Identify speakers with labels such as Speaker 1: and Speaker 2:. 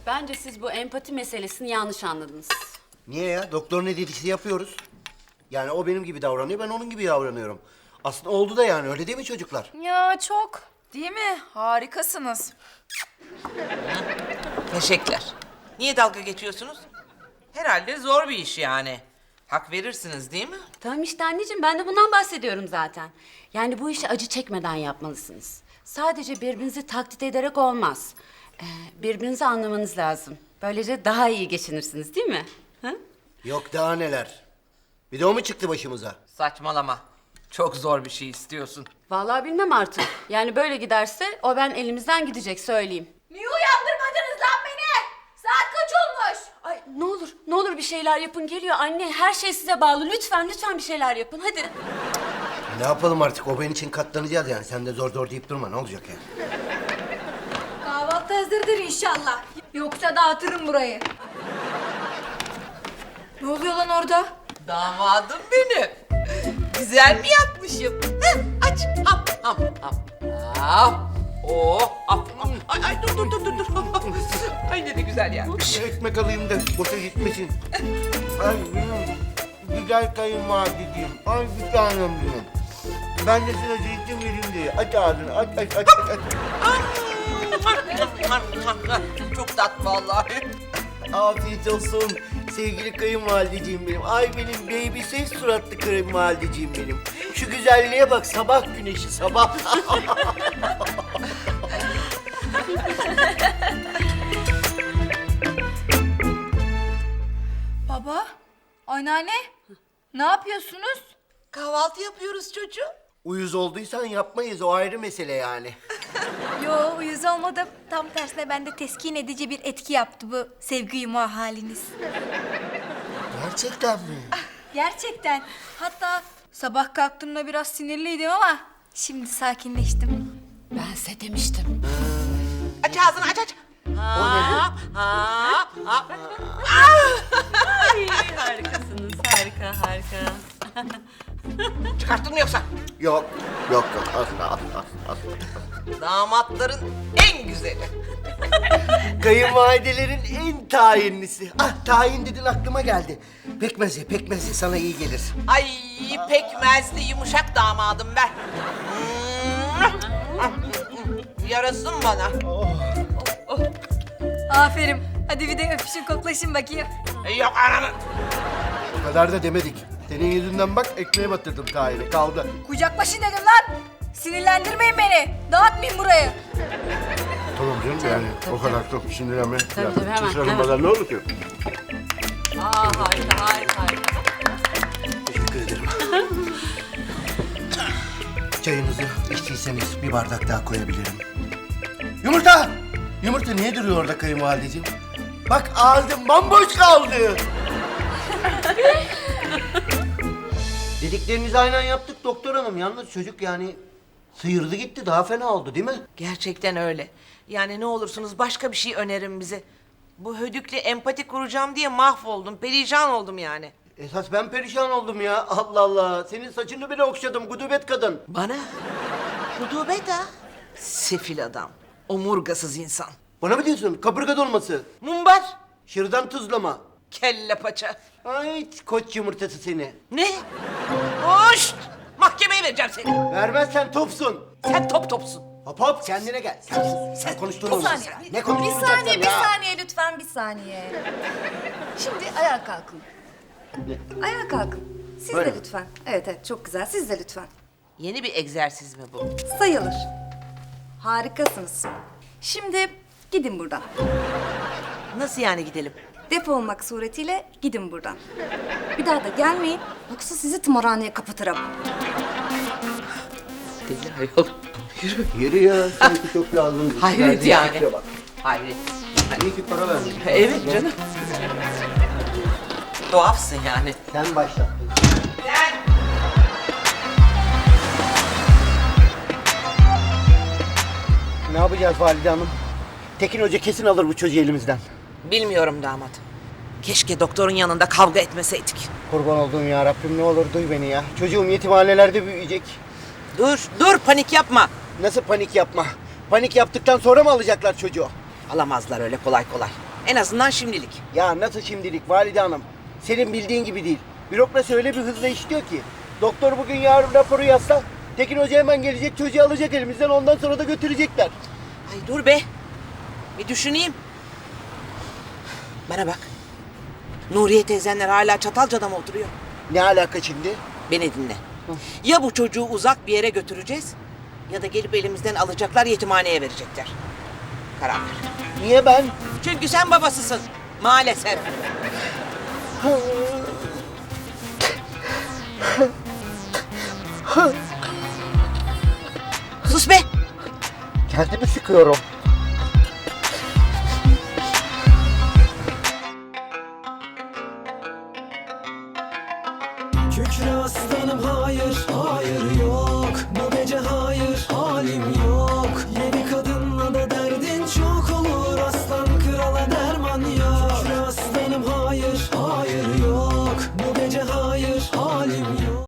Speaker 1: Bence siz bu empati meselesini yanlış anladınız.
Speaker 2: Niye ya? Doktor ne dediyse yapıyoruz. Yani o benim gibi davranıyor, ben onun gibi davranıyorum. Aslında oldu da yani, öyle değil mi çocuklar?
Speaker 3: Ya çok. Değil mi? Harikasınız.
Speaker 4: Teşekkürler. Niye dalga geçiyorsunuz? Herhalde zor bir iş yani. Hak verirsiniz değil mi?
Speaker 1: Tamam işte anneciğim, ben de bundan bahsediyorum zaten. Yani bu işi acı çekmeden yapmalısınız. Sadece birbirinizi taklit ederek olmaz. Birbirinizi anlamanız lazım. Böylece daha iyi geçinirsiniz değil mi? Ha?
Speaker 2: Yok daha neler. Bir de o mu çıktı başımıza?
Speaker 4: Saçmalama. Çok zor bir şey istiyorsun.
Speaker 1: Vallahi bilmem artık. Yani böyle giderse o ben elimizden gidecek, söyleyeyim.
Speaker 3: Niye uyandırmadınız lan beni? Saat kaç olmuş?
Speaker 1: Ay ne olur bir şeyler yapın, geliyor anne. Her şey size bağlı. Lütfen bir şeyler yapın hadi.
Speaker 2: Ne yapalım artık, o ben için katlanacağız yani. Sen de zor deyip durma, ne olacak yani?
Speaker 3: Kahvaltı hazırdır inşallah. Yoksa dağıtırım burayı. Ne oluyor lan orada?
Speaker 4: Damadım benim. Güzel mi yapmışım? Heh, aç. Hap hap hap. Hap. Oh. Hap. Ay dur. Ay ne de güzel yapmış.
Speaker 2: Ekmek alayım da boşa gitmesin. Ay güzel kayınvalideciğim. Ay bir tanem benim. Ben de sana zeytin vereyim diye. Aç ağzını, aç.
Speaker 4: Çok tatlı vallahi.
Speaker 2: Afiyet olsun sevgili kayınvalideciğim benim. Ay benim baby ses suratlı kayınvalideciğim benim. Şu güzelliğe bak, sabah güneşi sabah.
Speaker 3: Baba, anneanne, ne yapıyorsunuz?
Speaker 4: Kahvaltı yapıyoruz çocuğum.
Speaker 2: Uyuz olduysan yapmayız, o ayrı mesele yani.
Speaker 3: Yo, uyuz olmadım. Tam tersine bende teskin edici bir etki yaptı bu sevgi yumağı haliniz.
Speaker 2: Gerçekten mi?
Speaker 3: Gerçekten. Hatta sabah kalktığımda biraz sinirliydim ama şimdi sakinleştim.
Speaker 1: Ben size demiştim.
Speaker 4: Aç ağzını aç. Ha, ha.
Speaker 1: Ay, harikasınız, harika.
Speaker 4: Çıkarttın mı yoksa?
Speaker 2: Yok, asla.
Speaker 4: Damatların en güzeli.
Speaker 2: Kayınvalidelerin en tayinlisi. Ah, tayin dedin aklıma geldi. Pekmezi sana iyi gelir.
Speaker 4: Ay pekmezli yumuşak damadım ben. Yarasın bana.
Speaker 3: Aferin. Hadi bir de öpüşün koklaşın bakayım.
Speaker 4: Yok ananı.
Speaker 2: O kadar da demedik. Senin yüzünden bak ekmeğe batırdım tayini, kaldı.
Speaker 3: Kucaklaşın dedim lan. Sinirlendirmeyin beni. Dağıtmayın burayı.
Speaker 2: Tamam canım yani o kadar çok sinirlenme.
Speaker 1: Tabii, hemen.
Speaker 2: Sarılmadan ne olur ki?
Speaker 1: Harika.
Speaker 2: Teşekkür ederim. Çayınızı içtiyseniz bir bardak daha koyabilirim. Yumurta! Yumurta niye duruyor orada kayınvalideciğim? Bak ağzım bomboş kaldı. Dediklerinizi aynen yaptık doktor hanım. Yalnız çocuk yani sıyırdı gitti, daha fena oldu değil mi?
Speaker 4: Gerçekten öyle. Yani ne olursunuz başka bir şey önerin bize. Bu hödükle empati kuracağım diye mahvoldum, perişan oldum yani.
Speaker 2: Esas ben perişan oldum ya. Allah Allah. Senin saçını bile okşadım gudubet kadın.
Speaker 4: Bana? Rutubet ha? Sefil adam, omurgasız insan.
Speaker 2: Bana mı diyorsun? Kaburga dolması.
Speaker 4: Mumbar,
Speaker 2: Şırdan tuzlama.
Speaker 4: kelle paça.
Speaker 2: Ay koç yumurtası seni.
Speaker 4: Ne? Hoş! Mahkemeye vereceğim seni.
Speaker 2: Vermezsen topsun.
Speaker 4: Sen topsun.
Speaker 2: Hop hop kendine gel. Sen konuştuğunu
Speaker 5: Bir saniye.
Speaker 2: Ne konuşturacaksın
Speaker 5: Bir
Speaker 2: ya?
Speaker 5: saniye lütfen, bir saniye. Şimdi ayağa kalkın. Ayağa kalkın. Siz
Speaker 2: Böyle
Speaker 5: de
Speaker 2: mi?
Speaker 5: lütfen. Evet, çok güzel. Siz de lütfen.
Speaker 4: Yeni bir egzersiz mi bu?
Speaker 5: Sayılır. Harikasınız. Şimdi gidin buradan.
Speaker 4: Nasıl yani gidelim?
Speaker 5: Defolmak suretiyle gidin buradan. Bir daha da gelmeyin. Yoksa sizi tımarhaneye kapatırım.
Speaker 4: Deli ayol.
Speaker 2: Yürü ya. Sanki çok lazım.
Speaker 4: Hayret yani. Hayret.
Speaker 2: İyi ki para verdin.
Speaker 4: Evet canım. Tuhafsın yani.
Speaker 2: Sen başlattın. Ne yapacağız Valide Hanım? Tekin Hoca kesin alır bu çocuğu elimizden.
Speaker 4: Bilmiyorum damat. Keşke doktorun yanında kavga etmeseydik.
Speaker 2: Kurban olduğum ya Rabbim, ne olur duy beni ya. Çocuğum yetimhanelerde büyüyecek.
Speaker 4: Dur panik yapma.
Speaker 2: Nasıl panik yapma? Panik yaptıktan sonra mı alacaklar çocuğu?
Speaker 4: Alamazlar öyle kolay kolay. En azından şimdilik.
Speaker 2: Ya nasıl şimdilik valide hanım? Senin bildiğin gibi değil. Bürokrasi öyle bir hızla işliyor ki. Doktor bugün yarın raporu yazsa Tekin Hoca hemen gelecek, çocuğu alacak elimizden, ondan sonra da götürecekler.
Speaker 4: Ay dur be. Bir düşüneyim. Bana bak. Nuriye teyzenler hala Çatalca'da mı oturuyor?
Speaker 2: Ne alaka şimdi?
Speaker 4: Beni dinle. Ya bu çocuğu uzak bir yere götüreceğiz ya da gelip elimizden alacaklar, yetimhaneye verecekler. Karar ver.
Speaker 2: Niye ben?
Speaker 4: Çünkü sen babasısın. Maalesef. Sus be.
Speaker 2: Kendimi sıkıyorum.
Speaker 6: Kükre aslanım hayır, hayır yok. Bu gece hayır, halim yok. Yeni kadınla da derdin çok olur. Aslan krala derman yok. Kükre aslanım hayır, hayır yok. Bu gece hayır, halim